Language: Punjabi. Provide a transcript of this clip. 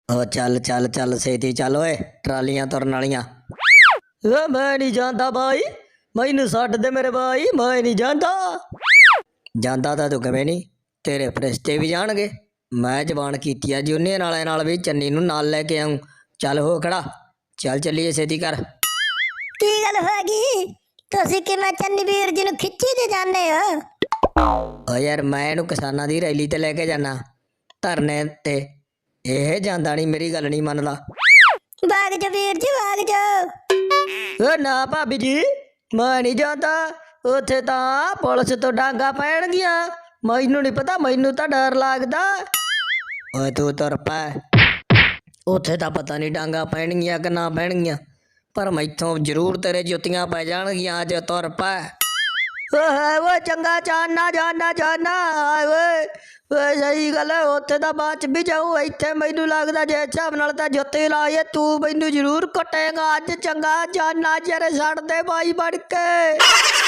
ਉਹ ਚੱਲ ਚੱਲ ਚੱਲ ਛੇਤੀ ਚੱਲ ਓਏ, ਟਰਾਲੀਆਂ ਤੁਰਨ ਵਾਲੀਆਂ। ਓ ਮੈਂ ਨਹੀਂ ਜਾਂਦਾ ਬਾਈ, ਮੈਨੂੰ ਛੱਡ ਦੇ ਮੇਰੇ ਬਾਈ, ਮੈਂ ਨਹੀਂ ਜਾਂਦਾ। ਜਾਂਦਾ ਤਾਂ ਤੂੰ ਕਿਵੇਂ ਨਹੀਂ, ਤੇਰੇ ਫਰਿਸ਼ਤੇ ਵੀ ਜਾਣਗੇ। ਮੈਂ ਜ਼ਬਾਨ ਕੀਤੀ ਆ ਜੂਨੀਅਰ ਵਾਲਿਆਂ ਨਾਲ ਵੀ ਚੰਨੀ ਨੂੰ ਨਾਲ ਲੈ ਕੇ ਆਊਂ। ਚੱਲ ਹੋ ਖੜਾ, ਚੱਲ ਚੱਲੀਏ ਛੇਤੀ ਕਰ। ਕੀ ਗੱਲ ਹੋ ਗਈ? ਤੁਸੀਂ ਕਿਵੇਂ ਚੰਨੀ ਵੀਰ ਜੀ ਨੂੰ ਖਿੱਚੀ ਤੇ ਜਾਂਦੇ ਹੋ? ਓ ਯਾਰ ਮੈਂ ਇਹਨੂੰ ਕਿਸਾਨਾਂ ਦੀ ਰੈਲੀ ਤੇ ਲੈ ਕੇ ਜਾਣਾ, ਧਰਨੇ ਤੇ। ਇਹ ਜਾਂਦਾ ਨਹੀਂ, ਮੇਰੀ ਗੱਲ ਨਹੀਂ ਮੰਨਦਾ। ਭਾਗ ਜਾ ਵੀਰ ਜੀ, ਭਾਗ ਜਾ। ਓ ਨਾ ਭਾਬੀ ਜੀ, ਮੈਂ ਨਹੀਂ ਜਾਂਦਾ। ਉੱਥੇ ਤਾਂ ਪੁਲਿਸ ਤੋਂ ਡਾਂਗਾ ਪੈਣਗੀਆਂ, ਮੈਨੂੰ ਨਹੀਂ ਪਤਾ, ਮੈਨੂੰ ਤਾਂ ਡਰ ਲੱਗਦਾ। ਓਏ ਤੂੰ ਤੁਰ ਪੈ, ਉੱਥੇ ਤਾਂ ਪਤਾ ਨਹੀਂ ਡਾਂਗਾ ਪੈਣਗੀਆਂ ਕਿ ਨਾ ਪੈਣਗੀਆਂ, ਪਰ ਮੈਥੋਂ ਜ਼ਰੂਰ ਤੇਰੇ ਜੁੱਤੀਆਂ ਪੈ ਜਾਣਗੀਆਂ। ਅੱਜ ਤੁਰ ਪੈ। ਓਏ ਚੰਗਾ, ਜਾਨਾ ਜਾਨਾ ਜਾਨਾ। ਓਏ ਓਏ ਸਹੀ ਗੱਲ ਹੈ, ਉੱਥੇ ਤਾਂ ਬਾਅਦ ਚ ਵੀ ਜਾਊ। ਇੱਥੇ ਮੈਨੂੰ ਲੱਗਦਾ ਜੇ ਹਿਸਾਬ ਨਾਲ ਤਾਂ ਜੁੱਤੀ ਲਾਈਏ ਤੂੰ ਮੈਨੂੰ ਜ਼ਰੂਰ ਕੁੱਟੇਗਾ ਅੱਜ। ਚੰਗਾ ਜਾਨਾ, ਜਰੇ ਛੱਡ ਦੇ ਬਾਈ ਬਣ ਕੇ।